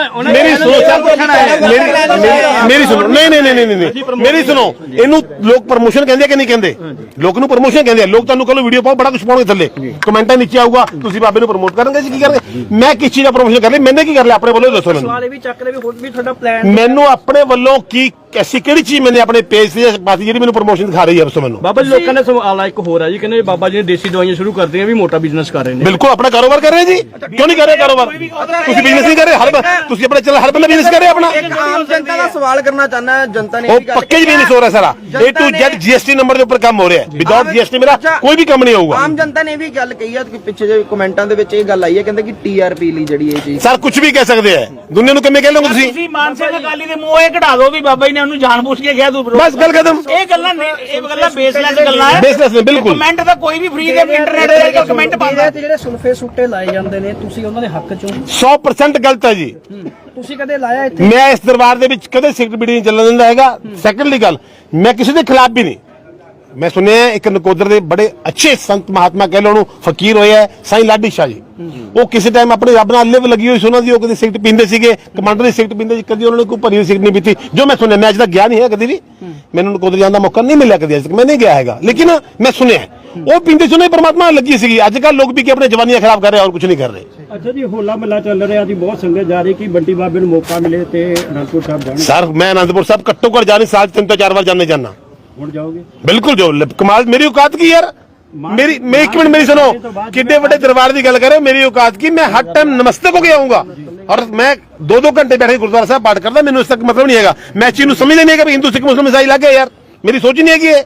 B: ਮੇਰੀ ਸੁਣੋ। ਇਹਨੂੰ ਲੋਕ ਪ੍ਰਮੋਸ਼ਨ ਕਹਿੰਦੇ ਕਿ ਨਹੀਂ ਕਹਿੰਦੇ? ਲੋਕ ਨੂੰ ਪ੍ਰਮੋਸ਼ਨ ਕਹਿੰਦੇ ਆ। ਲੋਕ ਤੁਹਾਨੂੰ ਕਹੋ ਵੀਡੀਓ ਪਾਓ, ਬੜਾ ਕੁਝ ਪਾਉਣਗੇ ਥੱਲੇ ਕਮੈਂਟਾਂ ਨੀਚੇ ਆਊਗਾ, ਤੁਸੀਂ ਬਾਬੇ ਨੂੰ ਪ੍ਰਮੋਟ ਕਰਨਗੇ ਜੀ। ਕੀ ਕਰਨਗੇ? ਮੈਂ ਕਿਸ ਚੀਜ਼ ਦਾ ਪ੍ਰਮੋਸ਼ਨ ਕਰ ਲਿਆ? ਮੈਨੇ ਕੀ ਕਰ ਲਿਆ? ਆਪਣੇ ਵੱਲੋਂ ਦੱਸੋ ਮੈਨੂੰ।
A: ਸਵਾਲ ਇਹ ਵੀ ਚੱਕ ਰਹੇ ਵੀ ਹੋਰ ਵੀ ਤੁਹਾਡਾ ਪਲਾਨ
B: ਮੈਨੂੰ ਆਪਣੇ ਵੱਲੋਂ ਕੀ ਐਸੀ ਕਿਹੜੀ ਚੀਜ਼ ਮੈਨੇ ਆਪਣੇ ਪੇਜ ਤੇ ਪਾਤੀ ਜਿਹੜੀ ਮੈਨੂੰ ਪ੍ਰਮੋਸ਼ਨ ਦਿਖਾ ਰਹੀ ਹੈ? ਦੱਸੋ ਮੈਨੂੰ।
F: ਬਾਬਾ ਜੀ ਲੋਕਾਂ ਨੇ ਸਵਾਲ ਇੱਕ ਹੋਰ ਹੈ ਜੀ, ਕਹਿੰਦੇ ਬਾਬਾ ਜੀ ਨੇ ਦੇਸੀ ਦਵਾਈਆਂ ਸ਼ੁਰੂ ਕਰ ਦਿੱਤੀਆਂ, ਵੀ ਮੋਟਾ ਬਿਜ਼ਨਸ ਕਰ ਰਹੇ ਨੇ।
B: ਬਿਲਕੁਲ ਆਪਣਾ ਕਾਰੋਬਾਰ ਕਰ ਰਹੇ ਜੀ, ਕਿਉਂ ਨਹੀਂ ਕਰ ਰਹੇ ਕਾਰੋਬਾਰ? ਤੁਸੀਂ ਬਿਜ਼ਨਸ ਨਹੀਂ ਕਰ ਰਹੇ? ਤੁਸੀਂ ਆਪਣਾ ਚੱਲ ਹਰ ਬੰਦਾ ਬਿਜ਼ਨਸ ਕਰ ਰਿਹਾ ਆਪਣਾ।
D: ਆਮ ਜਨਤਾ ਦਾ ਸਵਾਲ ਕਰਨਾ ਚਾਹੁੰਦਾ, ਜਨਤਾ ਨੇ
B: ਉਹ ਪੱਕੇ ਹੀ ਬਿਜ਼ਨਸ ਹੋ ਰਿਹਾ ਸਾਰਾ। A to Z GST number ਦੇ ਉੱਪਰ ਕੰਮ ਹੋ ਰਿਹਾ ਹੈ। ਵਿਦਆਊਟ GST ਮੇਰਾ ਕੋਈ ਵੀ ਕੰਮ ਨਹੀਂ ਹੋਊਗਾ।
D: ਆਮ ਜਨਤਾ ਨੇ ਵੀ ਗੱਲ ਕਹੀ ਹੈ ਕਿ ਪਿੱਛੇ ਜੇ ਕਮੈਂਟਾਂ ਦੇ ਵਿੱਚ ਇਹ ਗੱਲ ਆਈ ਹੈ, ਕਹਿੰਦੇ ਕਿ TRP ਲਈ ਜਿਹੜੀ ਇਹ ਚੀਜ਼
B: ਸਰ ਕੁਝ ਵੀ ਕਹਿ ਸਕਦੇ ਆ, ਦੁਨੀਆ ਨੂੰ ਕਿਵੇਂ ਕਹਿ ਲਓਗੇ ਤੁਸੀਂ?
G: ਤੁਸੀਂ ਮਾਨ ਸਿੰਘ ਅਕਾਲੀ ਦੇ ਮੂੰਹ ਇਹ ਕਢਾ ਦਿਓ ਵੀ ਬਾਬਾ ਜੀ ਨੇ ਉਹਨੂੰ ਜਾਣਬੁੱਝ ਕੇ ਕਿਹਾ ਤੂੰ
B: ਬਸ ਗੱਲ ਖਤਮ।
G: ਇਹ ਗੱਲਾਂ ਬੇਸਲੈਸ ਗੱਲਾਂ ਹੈ।
B: ਬਿਜ਼ਨਸ ਨੇ ਬਿਲਕੁਲ।
G: ਕਮੈਂਟ ਤਾਂ ਕੋਈ ਵੀ ਫ੍ਰੀ ਦੇ ਇੰਟਰਨੈਟ ਤੇ ਕਮੈਂਟ ਪਾਉਂਦਾ।
A: ਤੇ ਜਿਹੜੇ ਸੁਲਫੇ ਸੁੱਟੇ ਲਾਏ ਜਾਂਦੇ ਨੇ, ਤੁਸੀਂ ਉਹਨਾਂ ਦੇ ਹੱਕ ਚੋਂ
B: 100% ਗਲਤ ਹੈ ਜੀ।
A: ਤੁਸੀਂ ਕਦੇ ਲਾਇਆ ਇੱਥੇ?
B: ਮੈਂ ਇਸ ਦਰਬਾਰ ਦੇ ਵਿੱਚ ਕਦੇ ਸਿਗਰਟ ਬੀੜੀ ਨਹੀਂ ਚੱਲਣ ਦਿੰਦਾ ਹੈਗਾ। ਸੈਕੰਡਲੀ ਗੱਲ, ਮੈਂ ਕਿਸੇ ਦੇ ਖਿਲਾਫ ਵੀ ਨਹੀਂ। ਮੈਂ ਸੁਣਿਆ ਇੱਕ ਨਕੋਦਰ ਦੇ ਬੜੇ ਅੱਛੇ ਸੰਤ ਮਹਾਤਮਾ ਕਹਿ ਲਓ ਉਹਨੂੰ ਫਕੀਰ ਹੋਇਆ ਸਾਈਂ ਲਾਡੀ ਸ਼ਾਹ ਜੀ, ਉਹ ਕਿਸੇ ਟਾਈਮ ਆਪਣੇ ਰੱਬ ਨਾਲ ਲਿਵ ਲੱਗੀ ਹੋਈ ਸੀ ਉਹਨਾਂ ਦੀ, ਉਹ ਕਦੇ ਸਿਗਰਟ ਪੀਂਦੇ ਸੀਗੇ, ਕਮਾਂਡਰ ਦੀ ਸਿਗਰਟ ਪੀਂਦੇ ਸੀ, ਕਦੀ ਉਹਨਾਂ ਨੇ ਕੋਈ ਭਰੀ ਹੋਈ ਸਿਗਰਟ ਨਹੀਂ ਪੀਤੀ, ਜੋ ਮੈਂ ਸੁਣਿਆ। ਮੈਂ ਅੱਜ ਤੱਕ ਗਿਆ ਨਹੀਂ ਹੈ ਕਦੀ ਵੀ, ਮੈਨੂੰ ਨਕੋਦਰ ਜਾਣ ਦਾ ਮੌਕਾ ਨਹੀਂ ਮਿਲਿਆ ਕਦੀ, ਅੱਜ ਤੱਕ ਮੈਂ ਨਹੀਂ ਗਿਆ ਹੈਗਾ, ਲੇਕਿਨ ਮੈਂ ਸੁਣਿਆ ਉਹ ਪੀਂਦੇ ਸੀ, ਉਹਨਾਂ ਦੀ ਪਰਮਾਤਮਾ ਨਾਲ ਲੱਗੀ ਸੀਗੀ। ਅੱਜ ਕੱਲ੍ਹ ਲੋਕ ਵੀ ਕਿ ਆਪਣੇ ਜਵਾਨੀਆਂ ਖਰਾਬ ਕਰ ਰਹੇ ਔਰ ਕੁਝ ਨਹੀਂ ਕਰ ਰਹੇ।
C: ਅੱਛਾ ਜੀ, ਹੋਲਾ ਮਹੱਲਾ ਚੱਲ ਰਿਹਾ ਜੀ, ਬਹੁਤ ਸੰਗਤ ਜਾ ਰਹੀ ਕਿ ਬੰਟੀ ਬਾਬੇ ਨੂੰ ਮੌਕਾ ਮਿਲੇ ਤੇ ਅਨੰਦਪੁਰ ਸਾਹਿਬ ਜਾਣ।
B: ਸਰ ਮੈਂ ਅਨੰਦਪੁਰ ਸਾਹਿਬ ਘੱਟੋ ਘੱਟ ਜਾਣੀ ਸਾਲ 3 ਤੋਂ 4 ਵਾਰ ਜਾਣੇ ਜਾਣਾ।
C: ਹੁਣ ਜਾਓਗੇ?
B: ਬਿਲਕੁਲ ਜੋ ਕਮਾਲ ਮੇਰੀ ਔਕਾਤ ਕੀ ਯਾਰ, मेरी एक मिनट मेरी सुनो, कितने बड़े दरबार की गल करे, मेरी औकात की, मैं हर टाइम नमस्ते को गया आऊंगा और मैं 2-2 घंटे बैठे गुरुद्वारा साहब पाठ करता, मैंने उस तक मतलब नहीं है। मैं चीज समझ नहीं है कि हिंदू सिख मुस्लिम ईसाई लग गए यार, मेरी सोच ही नहीं है कि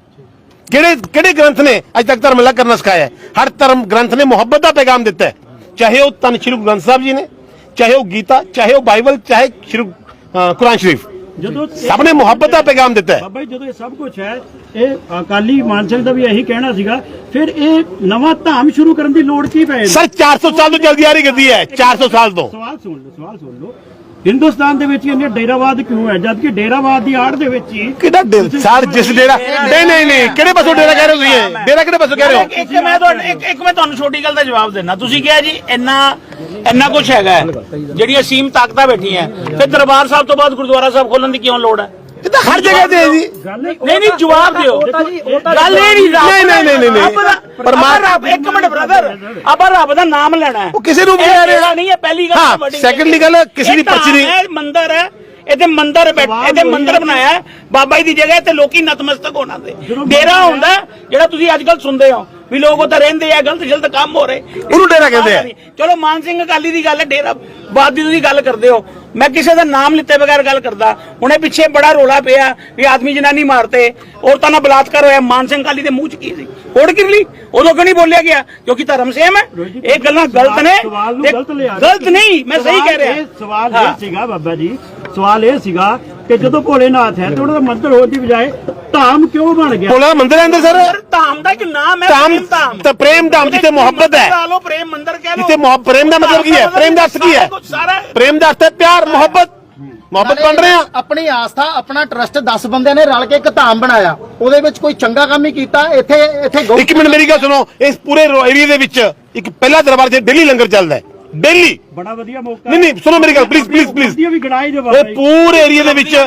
B: किहड़े ग्रंथ ने अज तक धर्म अलग करना सिखाया है। हर धर्म ग्रंथ ने मुहब्बत का पैगाम दिता है, चाहे वह धन श्री गुरु ग्रंथ साहब जी ने, चाहे वह गीता, चाहे वह बाइबल, चाहे श्री कुरान शरीफ, सबने मुहब्बत का पैगाम दिता है।
C: ਬਾਬਾ ਜੀ ਜਦੋਂ ਇਹ ਸਭ ਕੁਝ ਹੈ, ਇਹ ਅਕਾਲੀ ਮਾਨ ਸਿੰਘ ਦਾ ਵੀ ਇਹੀ ਕਹਿਣਾ ਸੀਗਾ, ਫਿਰ ਇਹ ਨਵਾਂ ਧਾਮ ਸ਼ੁਰੂ ਕਰਨ ਦੀ ਲੋੜ ਕੀ ਪਈ?
B: सर 400 साल तो जल्दी आ रही गद्दी है, 400 साल तो।
C: ਸਵਾਲ ਸੁਣ ਲਓ, ਹਿੰਦੁਸਤਾਨ ਦੇ ਵਿੱਚ ਇਹਨੇ ਡੇਰਾਵਾਦ ਕਿਉਂ ਹੈ, ਜਦ ਕਿ ਡੇਰਾਵਾਦ ਦੀ ਆੜ ਦੇ ਵਿੱਚ ਹੀ
B: ਕਿਹੜਾ ਸਰ ਜਿਸ ਡੇਰਾ ਨਹੀਂ ਕਿਹੜੇ ਪਾਸੋਂ ਡੇਰਾ ਕਹਿ ਰਹੇ ਹੋ ਤੁਸੀਂ? ਡੇਰਾ ਕਿਹੜੇ ਪਾਸੋਂ ਕਹਿ ਰਹੇ ਹੋ?
G: ਇੱਕ ਮੈਂ ਤੁਹਾਨੂੰ ਛੋਟੀ ਗੱਲ ਦਾ ਜਵਾਬ ਦੇਣਾ। ਤੁਸੀਂ ਕਿਹਾ ਜੀ ਇੰਨਾ ਕੁਝ ਹੈਗਾ, ਜਿਹੜੀਆਂ ਅਸੀਮ ਤਾਕਤਾਂ ਬੈਠੀਆਂ, ਫਿਰ ਦਰਬਾਰ ਸਾਹਿਬ ਤੋਂ ਬਾਅਦ ਗੁਰਦੁਆਰਾ ਸਾਹਿਬ ਖੋਲਣ ਦੀ ਕਿਉਂ ਲੋੜ ਹੈ?
B: ਇਹ ਤਾਂ ਹਰ ਜਗ੍ਹਾ ਤੇ ਹੈ ਜੀ।
G: ਨਹੀਂ ਜਵਾਬ ਦਿਓ। ਗੱਲ ਇਹ ਨਹੀਂ ਪਰ ਇੱਕ ਮਿੰਟ ਬ੍ਰਦਰ, ਆਪਾਂ ਰੱਬ ਦਾ ਨਾਮ ਲੈਣਾ ਹੈ,
B: ਉਹ ਕਿਸੇ ਨੂੰ ਕਹਿ ਰਿਹਾ
G: ਨਹੀਂ ਹੈ। ਪਹਿਲੀ ਗੱਲ,
B: ਹਾਂ ਸੈਕੰਡਲੀ ਗੱਲ, ਕਿਸੇ ਦੀ ਪਰਚੀ ਨਹੀਂ।
G: ਇਹ ਮੰਦਿਰ ਹੈ, ਇਹਦੇ ਮੰਦਿਰ ਬਣਾਇਆ ਬਾਬਾ ਜੀ ਦੀ ਜਗ੍ਹਾ ਤੇ ਲੋਕੀ ਨਤਮਸਤਕ ਹੋਣਾ ਤੇ ਡੇਰਾ ਹੁੰਦਾ ਜਿਹੜਾ ਤੁਸੀਂ ਅੱਜ ਕੱਲ ਸੁਣਦੇ ਹੋ ਵੀ ਲੋਕ ਉੱਥੇ ਰਹਿੰਦੇ ਆ, ਗਲਤ ਕੰਮ ਹੋ ਰਹੇ,
B: ਉਹਨੂੰ ਡੇਰਾ ਕਹਿੰਦੇ ਆ।
G: ਚਲੋ ਮਾਨ ਸਿੰਘ ਅਕਾਲੀ ਦੀ ਗੱਲ ਹੈ, ਡੇਰਾ ਬਾਦ ਦੀ ਤੁਸੀਂ ਗੱਲ ਕਰਦੇ ਹੋ, ਮੈਂ ਕਿਸੇ ਦਾ ਨਾਮ ਲਿੱਤੇ ਬਗੈਰ ਗੱਲ ਕਰਦਾ। ਹੁਣੇ ਪਿੱਛੇ ਬੜਾ ਰੋਲਾ ਪਿਆ ਵੀ ਆਦਮੀ ਜਨਾਨੀ ਮਾਰਤੇ, ਔਰਤਾਂ ਨਾਲ ਬਲਾਤਕਾਰ ਹੋਇਆ, ਮਾਨ ਸਿੰਘ ਅਕਾਲੀ ਦੇ ਮੂੰਹ ਚ ਕੀ ਸੀ? ਹੋੜ ਕਿਰਲੀ ਉਦੋਂ ਕਿਉਂ ਨਹੀਂ ਬੋਲਿਆ ਗਿਆ? ਕਿਉਂਕਿ ਧਰਮ ਸੇਮ ਹੈ। ਇਹ ਗੱਲਾਂ ਗਲਤ ਨੇ, ਗਲਤ ਨਹੀਂ, ਮੈਂ ਸਹੀ ਕਹਿ ਰਿਹਾ।
C: ਸਵਾਲ ਇਹ ਸੀਗਾ ਬਾਬਾ ਜੀ, ਸਵਾਲ ਇਹ ਸੀਗਾ ਕਿ ਜਦੋਂ ਭੋਲੇਨਾਥ ਹੈ ਤੇ ਉਹਨਾਂ ਦਾ ਮੰਦਿਰ ਹੋਣ ਦੀ ਬਜਾਏ ਧਾਮ ਕਿਉਂ ਬਣ ਗਿਆ?
B: ਭੋਲਾ ਮੰਦਿਰ ਹੈ ਅੰਦਰ ਸਰ,
G: ਧਾਮ ਦਾ ਇੱਕ ਨਾਮ ਹੈ,
B: ਧਾਮ ਤਾਂ ਪ੍ਰੇਮ ਧਾਮ, ਜਿੱਥੇ ਮੁਹੱਬਤ ਹੈ,
G: ਲਾ ਲਓ ਪ੍ਰੇਮ ਮੰਦਿਰ ਕਹਿ ਲਓ।
B: ਜਿੱਥੇ ਪ੍ਰੇਮ ਦਾ ਮਤਲਬ ਕੀ ਹੈ? ਪ੍ਰੇਮ ਦਾ ਅਰਥ ਕੀ ਹੈ? ਪ੍ਰੇਮ ਦਾ ਅਰਥ ਹੈ ਪਿਆਰ, ਮੁਹੱਬਤ ਬਣ ਰਹੇ ਆ।
H: ਆਪਣੀ ਆਸਥਾ, ਆਪਣਾ ਟਰਸਟ 10 ਬੰਦਿਆਂ ਨੇ ਰਲ ਕੇ ਇੱਕ ਧਾਮ ਬਣਾਇਆ, ਉਹਦੇ ਵਿੱਚ ਕੋਈ ਚੰਗਾ ਕੰਮ ਹੀ ਕੀਤਾ। ਇੱਥੇ
B: ਇੱਕ ਮਿੰਟ ਮੇਰੀ ਗੱਲ ਸੁਣੋ, ਇਸ ਪੂਰੇ ਏਰੀਆ ਦੇ ਵਿੱਚ ਇੱਕ ਪਹਿਲਾ ਦਰਬਾਰ ਤੇ ਡੇਲੀ ਲੰਗਰ ਚੱਲਦਾ ਹੈ, ਡੇਲੀ।
C: ਬੜਾ ਵਧੀਆ ਮੌਕਾ।
B: ਨਹੀਂ ਸੁਣੋ ਮੇਰੀ ਗੱਲ ਪਲੀਜ਼
C: ਵੀ ਗਣਾਈ ਦੇ
B: ਇਹ ਪੂਰੇ ਏਰੀਆ ਦੇ ਵਿੱਚ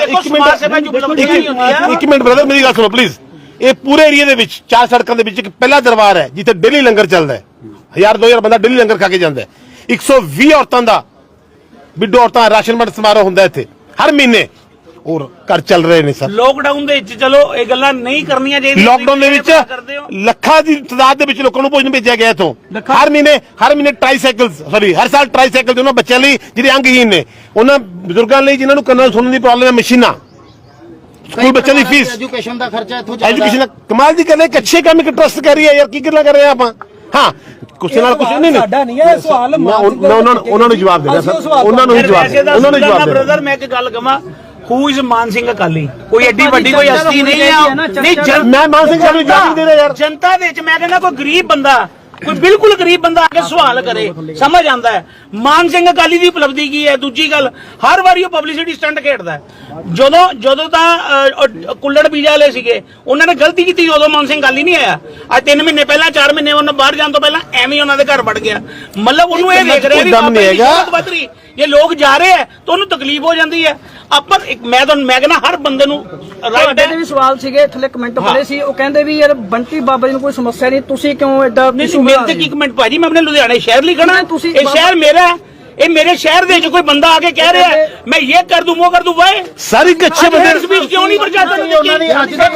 B: ਇੱਕ ਮਿੰਟ ਬ੍ਰਦਰ ਮੇਰੀ ਗੱਲ ਸੁਣੋ ਪਲੀਜ਼। ਇਹ ਪੂਰੇ ਏਰੀਆ ਦੇ ਵਿੱਚ 4 ਸੜਕਾਂ ਦੇ ਵਿੱਚ ਇੱਕ ਪਹਿਲਾ ਦਰਬਾਰ ਹੈ ਜਿੱਥੇ ਡੇਲੀ ਲੰਗਰ ਚੱਲਦਾ ਹੈ, 1000-2000 ਬੰਦਾ ਡੇਲੀ ਲੰਗਰ ਖਾ ਕੇ ਜਾਂਦਾ ਹੈ। 120 ਔਰਤਾਂ ਦਾ ਵਿਡੋ ਔਰਤਾਂ ਰਾਸ਼ਨ ਵੰਡ ਸਮਾਰੋਹ ਹੁੰਦਾ ਇੱਥੇ ਹਰ ਮਹੀਨੇ, ਔਰ ਘਰ ਚੱਲ ਰਹੇ ਨੇ ਸਰ।
G: ਲੋਕਡਾਊਨ ਦੇ ਵਿੱਚ ਚਲੋ ਇਹ ਗੱਲਾਂ ਨਹੀਂ ਕਰਨੀਆਂ ਚਾਹੀਦੀਆਂ।
B: ਲੋਕਡਾਊਨ ਦੇ ਵਿੱਚ ਲੱਖਾਂ ਦੀ ਤਾਦਾਦ ਦੇ ਵਿੱਚ ਲੋਕਾਂ ਨੂੰ ਭੋਜਨ ਭੇਜਿਆ ਗਿਆ ਇੱਥੋਂ। ਹਰ ਮਹੀਨੇ ਹਰ ਸਾਲ ਟ੍ਰਾਈਸਾਈਕਲ ਦੇ ਉਹਨਾਂ ਬੱਚਿਆਂ ਲਈ ਜਿਹੜੇ ਅੰਗਹੀਨ ਨੇ, ਉਹਨਾਂ ਬਜ਼ੁਰਗਾਂ ਲਈ ਜਿਨ੍ਹਾਂ ਨੂੰ ਕੰਨਾਂ ਸੁਣਨ ਦੀ ਪ੍ਰੋਬਲਮ ਹੈ, ਮਸ਼ੀਨਾਂ, ਸਕੂਲ ਬੱਚਿਆਂ ਦੀ ਫੀਸ,
H: ਐਜੂਕੇਸ਼ਨ ਦਾ ਖਰਚਾ ਇੱਥੋਂ
B: ਐਜੂਕੇਸ਼ਨ। ਕਮਾਲ ਦੀ ਗੱਲ ਹੈ, ਇੱਕ ਅੱਛੇ ਕੰਮ ਇੱਕ ਟਰਸਟ ਕਰ ਰਹੀ ਹੈ ਯਾਰ, ਕੀ ਗੱਲਾਂ ਕਰ ਰਹੇ ਆ ਆਪਾਂ? ਹਾਂ ਕੁਛ ਨਾਲ ਕੁਛ ਨਹੀਂ,
E: ਸਾਡਾ ਨਹੀਂ ਹੈ ਸਵਾਲ,
B: ਉਹਨਾਂ ਨੂੰ ਜਵਾਬ ਦੇਣਾ ਸਰ, ਉਹਨਾਂ ਨੂੰ ਹੀ ਜਵਾਬ ਦੇਣਾ।
G: ਬ੍ਰਦਰ ਮੈਂ ਇੱਕ ਗੱਲ ਕਹਾਂ, ਹੂ ਇਜ਼ ਮਾਨ ਸਿੰਘ ਅਕਾਲੀ? ਕੋਈ ਐਡੀ ਵੱਡੀ ਕੋਈ ਹਸਤੀ ਨਹੀਂ ਹੈ। ਨਹੀਂ
B: ਮੈਂ ਮਾਨ ਸਿੰਘ ਅਕਾਲੀ ਜਵਾਬ ਨਹੀਂ ਦੇ ਰਿਹਾ ਯਾਰ।
G: ਜਨਤਾ ਦੇ ਵਿੱਚ ਮੈਂ ਕਹਿੰਦਾ ਕੋਈ ਗਰੀਬ ਬੰਦਾ, ਕੋਈ ਬਿਲਕੁਲ ਗਰੀਬ ਬੰਦਾ ਆ ਕੇ ਸਵਾਲ ਕਰੇ, ਸਮਝ ਆਂਦਾ ਹੈ ਮਾਨ ਸਿੰਘ ਅਕਾਲੀ ਦੀ ਉਪਲਬਧੀ ਕੀ ਹੈ। ਦੂਜੀ ਗੱਲ, ਹਰ ਵਾਰੀ ਉਹ ਪਬਲਿਸਿਟੀ ਸਟੰਟ ਖੇਡਦਾ ਹੈ। ਜਦੋਂ ਤਾਂ ਕੁੱਲੜ ਬੀਜਾ ਵਾਲੇ ਸੀਗੇ, ਉਹਨਾਂ ਨੇ ਗਲਤੀ ਕੀਤੀ, ਉਦੋਂ ਮਾਨ ਸਿੰਘ ਅਕਾਲੀ ਨਹੀਂ ਆਇਆ। ਅੱਜ 3 ਮਹੀਨੇ ਪਹਿਲਾਂ, 4 ਮਹੀਨੇ ਉਹਨਾਂ ਬਾਹਰ ਜਾਣ ਤੋਂ ਪਹਿਲਾਂ ਐਵੇਂ ਉਹਨਾਂ ਦੇ ਘਰ ਵੜ ਗਿਆ। ਮਤਲਬ ਉਹਨੂੰ ਇਹ ਦੇਖ ਰਿਹਾ ਵੀ ਬਹੁਤ ਵੱਧ ਰਹੀ, ਜੇ ਲੋਕ ਜਾ ਰਹੇ ਹੈ ਤਾਂ ਉਹਨੂੰ ਤਕਲੀਫ ਹੋ ਜਾਂਦੀ ਹੈ। ਆਪਾਂ ਮੈਂ ਕਹਿੰਦਾ ਹਰ ਬੰਦੇ ਨੂੰ ਰਾਈਟ ਹੈ।
A: ਦੇ ਵੀ ਸਵਾਲ ਸੀਗੇ ਥੱਲੇ ਕਮੈਂਟ ਪੜੇ ਸੀ, ਉਹ ਕਹਿੰਦੇ ਵੀ ਯਾਰ ਬੰਟੀ ਬਾਬਾ ਜੀ ਨੂੰ ਕੋਈ ਸਮੱਸਿਆ ਨਹੀਂ, ਤੁਸੀਂ ਕਿਉਂ ਐਡਾ?
G: ਮੇਰੇ ਤੇ ਕੀ ਕਮੈਂਟ ਭਾਜੀ, ਮੈਂ ਆਪਣੇ ਲੁਧਿਆਣੇ ਸ਼ਹਿਰ ਲਈ ਖੜਾ, ਇਹ ਸ਼ਹਿਰ ਮੇਰਾ ਹੈ। ਇਹ ਮੇਰੇ ਸ਼ਹਿਰ ਦੇ ਵਿੱਚ ਕੋਈ ਬੰਦਾ ਆ ਕੇ ਕਹਿ ਰਿਹਾ ਹੈ ਮੈਂ ਇਹ ਕਰ ਦੂੰ ਉਹ ਕਰ ਦੂੰ, ਵਾਏ
B: ਸਾਰੀ ਅੱਛੇ ਬੰਦੇ
G: ਹੇਡ ਸਪੀਚ ਕਿਉਂ ਨਹੀਂ ਪ੍ਰਸ਼ਾਸਨ ਨੂੰ ਦਿੱਤੀ?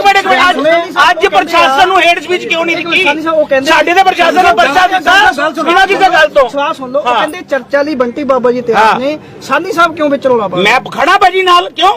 G: ਅੱਜ ਪ੍ਰਸ਼ਾਸਨ ਨੂੰ ਹੇਡ ਸਪੀਚ ਕਿਉਂ ਨਹੀਂ ਦਿੱਤੀ? ਸਾਡੇ ਦੇ ਪ੍ਰਸ਼ਾਸਨ ਨੇ ਪਰਚਾ ਦਿੱਤਾ ਬਿਨਾਂ ਕਿਸੇ ਗੱਲ ਤੋਂ।
A: ਸਵਾਲ ਸੁਣ ਲਓ, ਉਹ ਕਹਿੰਦੇ ਚਰਚਾ ਲਈ ਬੰਟੀ ਬਾਬਾ ਜੀ ਤਿਆਰ ਨੇ, ਸਾਨੀ ਸਾਹਿਬ ਕਿਉਂ ਵਿੱਚ ਰੋਲਾ ਪਾ?
G: ਮੈਂ ਖੜਾ ਭਾਜੀ ਨਾਲ, ਕਿਉਂ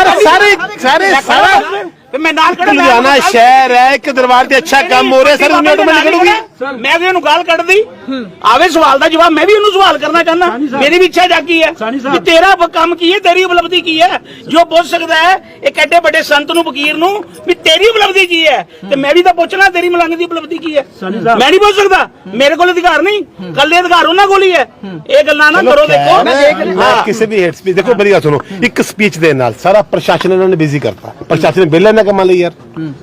B: ਸਾਰੇ
G: ਤੇ ਮੈਂ ਨਾਲ ਖੜਾ।
B: ਲੁਧਿਆਣਾ ਸ਼ਹਿਰ ਹੈ, ਇੱਕ ਦਰਬਾਰ ਤੇ ਅੱਛਾ ਕੰਮ ਹੋ ਰਿਹਾ ਸਰ, ਉਹਨੂੰ ਆਟੋਮੈਟਿਕ ਕਰੂਗੀ।
G: ਮੈਂ ਵੀ ਉਹਨੂੰ ਗਾਲ ਕੱਢਦੀ ਆਵੇ, ਸਵਾਲ ਦਾ ਜਵਾਬ ਮੈਂ ਵੀ ਉਹਨੂੰ ਸਵਾਲ ਕਰਨਾ ਚਾਹੁੰਦਾ। ਮੇਰੀ ਵੀ ਇੱਛਾ ਜਾਗੀ ਹੈ ਕਿ ਤੇਰਾ ਕੰਮ ਕੀ ਹੈ, ਤੇਰੀ ਉਪਲਬਧੀ ਕੀ ਹੈ, ਜੋ ਪੁੱਛ ਸਕਦਾ ਹੈ ਇੱਕ ਐਡੇ ਵੱਡੇ ਸੰਤ ਨੂੰ, ਫਕੀਰ ਨੂੰ, ਵੀ ਤੇਰੀ ਉਪਲਬਧੀ ਕੀ ਹੈ। ਤੇ ਮੈਂ ਵੀ ਤਾਂ ਪੁੱਛਣਾ ਤੇਰੀ ਮਲੰਗ ਦੀ ਉਪਲਬਧੀ ਕੀ ਹੈ। ਮੈਂ ਨਹੀਂ ਪੁੱਛ ਸਕਦਾ, ਮੇਰੇ ਕੋਲ ਅਧਿਕਾਰ ਨਹੀਂ, ਕੱਲੇ ਅਧਿਕਾਰ ਉਹਨਾਂ ਕੋਲ ਹੀ ਹੈ। ਇਹ ਗੱਲਾਂ ਨਾ ਕਰੋ। ਦੇਖੋ
B: ਕਿਸੇ ਵੀ ਹੇਡ ਸਪੀਚ, ਦੇਖੋ ਮੇਰੀ ਗੱਲ ਸੁਣੋ, ਇੱਕ ਸਪੀਚ ਦੇ ਨਾਲ ਸਾਰਾ ਪ੍ਰਸ਼ਾਸਨ ਇਹਨਾਂ ਨੇ ਬਿਜ਼ੀ ਕਰਤਾ। ਪ੍ਰਸ਼ਾਸਨ ਨੇ ਬਿੱਲ ਇਹਨਾਂ ਕੰਮਾਂ ਲਈ ਯਾਰ,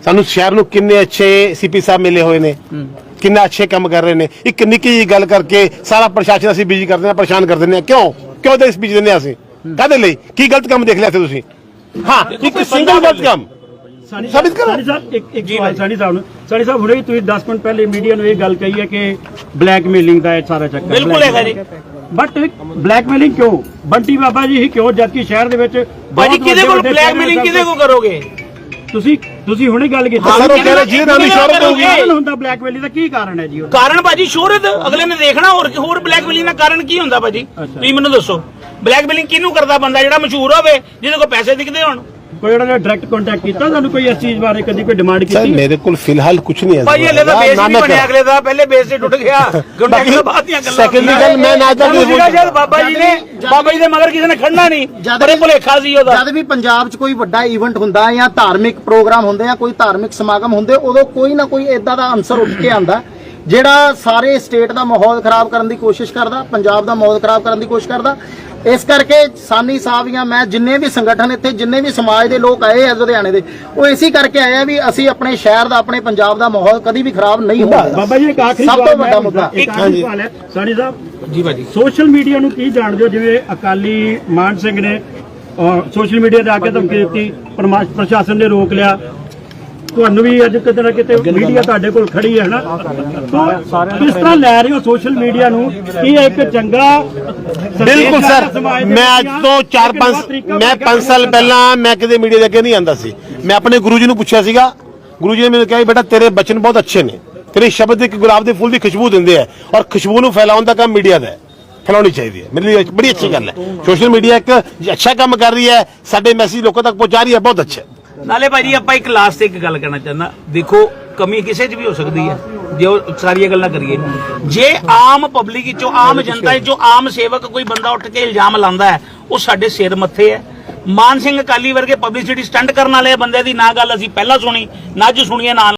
B: ਸਾਨੂੰ ਸ਼ਹਿਰ ਨੂੰ ਕਿੰਨੇ ਅੱਛੇ ਸੀਪੀ ਸਾਹਿਬ ਮਿਲੇ ਹੋਏ ਨੇ, ਕਿੰਨਾ ਅੱਛੇ ਕੰਮ ਕਰ ਰਹੇ ਨੇ। ਇੱਕ ਨਿੱਕੀ ਜਿਹੀ ਗੱਲ ਕਰਕੇ ਸਾਰਾ ਪ੍ਰਸ਼ਾਸਨ ਅਸੀਂ ਬਿਜੀ ਕਰਦੇ ਹਾਂ, ਪਰੇਸ਼ਾਨ ਕਰ ਦਿੰਦੇ ਹਾਂ। ਕਿਉਂ ਦੇਸ਼ ਬਿਜੀ ਦਿੰਦੇ ਹਾਂ ਅਸੀਂ? ਕਾਹਦੇ ਲਈ? ਕੀ ਗਲਤ ਕੰਮ ਦੇਖ ਲਿਆ ਸੀ ਤੁਸੀਂ? ਹਾਂ, ਇੱਕ ਸਿੰਗਲ ਗਲਤ ਕੰਮ ਸਾਬਿਤ ਕਰੋ।
C: ਸਾਨੀ ਸਾਹਿਬ ਇੱਕ ਸਵਾਲ ਸਾਨੀ ਸਾਹਿਬ ਹੁਣੇ ਹੀ ਤੁਸੀਂ 10 ਮਿੰਟ ਪਹਿਲੇ ਮੀਡੀਆ ਨੂੰ ਇਹ ਗੱਲ ਕਹੀ ਹੈ ਕਿ ਬਲੈਕਮੇਲਿੰਗ ਦਾ ਇਹ ਸਾਰਾ ਚੱਕਰ
G: ਬਿਲਕੁਲ ਹੈਗਾ ਜੀ।
C: ਬਟ ਬਲੈਕਮੇਲਿੰਗ ਕਿਉਂ? ਬੰਟੀ ਬਾਬਾ ਜੀ ਹੀ ਕਿਉਂ, ਜਦਕਿ ਸ਼ਹਿਰ ਦੇ ਵਿੱਚ
G: ਭਾਜੀ ਕਿਹਦੇ ਕੋਲ ਬਲੈਕਮੇਲਿੰਗ ਕਿਹਦੇ ਕੋਲ ਕਰੋਗੇ?
C: ਤੁਸੀਂ ਹੁਣੇ ਗੱਲ ਕੀਤੀ
B: ਸਰ, ਉਹ ਕਹਿ ਰਹੇ ਜਿਹਦੇ ਨਾਲ ਸ਼ੋਹਰਤ ਹੋਊਗੀ।
C: ਹੁੰਦਾ ਬਲੈਕਮੇਲਿੰਗ ਦਾ ਕੀ ਕਾਰਨ ਹੈ ਜੀ?
G: ਕਾਰਨ ਭਾਜੀ ਸ਼ੋਹਰਤ, ਅਗਲੇ ਨੇ ਦੇਖਣਾ। ਹੋਰ ਬਲੈਕਮੇਲਿੰਗ ਦਾ ਕਾਰਨ ਕੀ ਹੁੰਦਾ ਭਾਜੀ? ਤੁਸੀਂ ਮੈਨੂੰ ਦੱਸੋ, ਬਲੈਕਮੇਲਿੰਗ ਕਿਹਨੂੰ ਕਰਦਾ? ਬੰਦਾ ਜਿਹੜਾ ਮਸ਼ਹੂਰ ਹੋਵੇ, ਜਿਹਦੇ ਕੋਲ ਪੈਸੇ ਦਿਖਦੇ ਹੋਣ।
C: ਕੋਈ ਉਹਨਾਂ ਨੇ ਡਾਇਰੈਕਟ ਕੰਟੈਕਟ ਕੀਤਾ ਤੁਹਾਨੂੰ? ਕੋਈ ਇਸ ਚੀਜ਼ ਬਾਰੇ ਕਦੀ ਕੋਈ ਡਿਮਾਂਡ
B: ਸਰ
C: ਕੀਤੀ?
B: ਮੇਰੇ ਕੋਲ ਫਿਲਹਾਲ ਕੁਝ ਨਹੀਂ ਹੈ
G: ਭਾਈ ਹਲੇ ਤਾਂ ਬੇਸ ਨਹੀਂ ਬਣਿਆ, ਅਗਲੇ ਦਾ ਪਹਿਲੇ ਬੇਸ ਤੇ ਟੁੱਟ ਗਿਆ। ਕੰਟੈਕਟ ਤੋਂ ਬਾਅਦ ਦੀਆਂ ਗੱਲਾਂ।
B: ਸੈਕੰਡਰੀ ਗੱਲ ਮੈਂ ਨਾ
G: ਜਦ ਬਾਬਾ ਜੀ ਦੇ ਮਗਰ ਕਿਸੇ ਨੇ ਖੜਨਾ ਨਹੀਂ, ਬੜੇ ਭੁਲੇਖਾ ਸੀ ਉਹਦਾ।
H: ਜਦ ਵੀ ਪੰਜਾਬ 'ਚ ਕੋਈ ਵੱਡਾ ਇਵੈਂਟ ਹੁੰਦਾ ਜਾਂ ਧਾਰਮਿਕ ਪ੍ਰੋਗਰਾਮ ਹੁੰਦੇ ਆ, ਕੋਈ ਧਾਰਮਿਕ ਸਮਾਗਮ ਹੁੰਦੇ, ਉਦੋਂ ਕੋਈ ਨਾ ਕੋਈ ਇਦਾਂ ਦਾ ਅਨਸਰ ਉੱਠ ਕੇ ਆਂਦਾ ਜਿਹੜਾ ਸਾਰੇ ਸਟੇਟ ਦਾ ਮਾਹੌਲ ਖਰਾਬ ਕਰਨ ਦੀ ਕੋਸ਼ਿਸ਼ ਕਰਦਾ, ਪੰਜਾਬ ਦਾ ਮਾਹੌਲ ਖਰਾਬ ਕਰਨ ਦੀ ਕੋਸ਼ਿਸ਼ ਕਰਦਾ। ਇਸ ਕਰਕੇ ਸਾਨੀ ਸਾਹਿਬ ਜਾਂ ਮੈਂ, ਜਿੰਨੇ ਵੀ ਸੰਗਠਨ ਇੱਥੇ, ਜਿੰਨੇ ਵੀ ਸਮਾਜ ਦੇ ਲੋਕ ਆਏ ਆ ਲੁਧਿਆਣੇ ਦੇ, ਉਹ ਇਸੇ ਕਰਕੇ ਆਏ ਆ ਵੀ ਅਸੀਂ ਆਪਣੇ ਸ਼ਹਿਰ ਦਾ, ਆਪਣੇ ਪੰਜਾਬ ਦਾ ਮਾਹੌਲ ਕਦੀ ਵੀ ਖਰਾਬ ਨਹੀਂ ਹੋਣ ਦੇਣਾ।
C: ਬਾਬਾ ਜੀ ਇੱਕ ਆਖਰੀ
H: ਸਭ ਤੋਂ
C: ਸਵਾਲ
H: ਵੱਡਾ ਮੁੱਦਾ।
C: ਇੱਕ ਆਖਰੀ ਸਵਾਲ ਹੈ ਸਾਨੀ ਸਾਹਿਬ ਜੀ ਭਾਜੀ, ਸੋਸ਼ਲ ਮੀਡੀਆ ਨੂੰ ਕੀ ਜਾਣਦੇ ਹੋ? ਜਿਵੇਂ ਅਕਾਲੀ ਮਾਨ ਸਿੰਘ ਨੇ ਸੋਸ਼ਲ ਮੀਡੀਆ ਤੇ ਆ ਕੇ ਧਮਕੀ ਦਿੱਤੀ, ਪ੍ਰਸ਼ਾਸਨ ਨੇ ਰੋਕ ਲਿਆ, ਤੁਹਾਨੂੰ ਵੀ ਅੱਜ ਕਿਤੇ ਨਾ ਕਿਤੇ ਮੀਡੀਆ ਤੁਹਾਡੇ ਕੋਲ ਖੜੀ ਹੈ ਨਾ, ਤਾਂ ਕਿਸ ਤਰ੍ਹਾਂ ਲੈ ਰਹੇ ਹੋ ਸੋਸ਼ਲ ਮੀਡੀਆ ਨੂੰ? ਕੀ ਇੱਕ ਚੰਗਾ
B: ਬਿਲਕੁਲ ਸਰ, ਮੈਂ ਅੱਜ ਤੋਂ 5 ਸਾਲ ਪਹਿਲਾਂ ਮੈਂ ਕਿਤੇ ਮੀਡੀਆ ਦੇ ਅੱਗੇ ਨਹੀਂ ਆਂਦਾ ਸੀ। ਮੈਂ ਆਪਣੇ ਗੁਰੂ ਜੀ ਨੂੰ ਪੁੱਛਿਆ ਸੀਗਾ, ਗੁਰੂ ਜੀ ਨੇ ਮੈਨੂੰ ਕਿਹਾ ਬੇਟਾ ਤੇਰੇ ਬਚਨ ਬਹੁਤ ਅੱਛੇ ਨੇ, ਤੇਰੇ ਸ਼ਬਦ ਇੱਕ ਗੁਲਾਬ ਦੇ ਫੁੱਲ ਦੀ ਖੁਸ਼ਬੂ ਦਿੰਦੇ ਆ, ਔਰ ਖੁਸ਼ਬੂ ਨੂੰ ਫੈਲਾਉਣ ਦਾ ਕੰਮ ਮੀਡੀਆ ਦਾ ਹੈ, ਫੈਲਾਉਣੀ ਚਾਹੀਦੀ ਹੈ। ਮੇਰੇ ਲਈ ਬੜੀ ਅੱਛੀ ਗੱਲ ਹੈ। ਸੋਸ਼ਲ ਮੀਡੀਆ ਇੱਕ ਅੱਛਾ ਕੰਮ ਕਰ ਰਹੀ ਹੈ, ਸਾਡੇ ਮੈਸੇਜ ਲੋਕਾਂ ਤੱਕ ਪਹੁੰਚਾ ਰਹੀ ਹੈ, ਬਹੁਤ ਅੱਛਾ।
G: ਨਾਲੇ ਭਾਜੀ ਆਪਾਂ ਇੱਕ ਲਾਸਟ ਤੇ ਇੱਕ ਗੱਲ ਕਹਿਣਾ ਚਾਹੁੰਦਾ, ਦੇਖੋ ਕਮੀ ਕਿਸੇ 'ਚ ਵੀ ਹੋ ਸਕਦੀ ਹੈ, ਜੇ ਉਹ ਸਾਰੀਆਂ ਗੱਲਾਂ ਕਰੀਏ। ਜੇ ਆਮ ਪਬਲਿਕ ਵਿੱਚੋਂ, ਆਮ ਜਨਤਾ ਵਿੱਚੋਂ, ਆਮ ਸੇਵਕ ਕੋਈ ਬੰਦਾ ਉੱਠ ਕੇ ਇਲਜ਼ਾਮ ਲਾਉਂਦਾ ਹੈ, ਉਹ ਸਾਡੇ ਸਿਰ ਮੱਥੇ ਹੈ। ਮਾਨ ਸਿੰਘ ਅਕਾਲੀ ਵਰਗੇ ਪਬਲਿਸਿਟੀ ਸਟੰਟ ਕਰਨ ਵਾਲੇ ਬੰਦੇ ਦੀ ਨਾ ਗੱਲ ਅਸੀਂ ਪਹਿਲਾਂ ਸੁਣੀ, ਨਾ ਅੱਜ ਸੁਣੀਏ, ਨਾ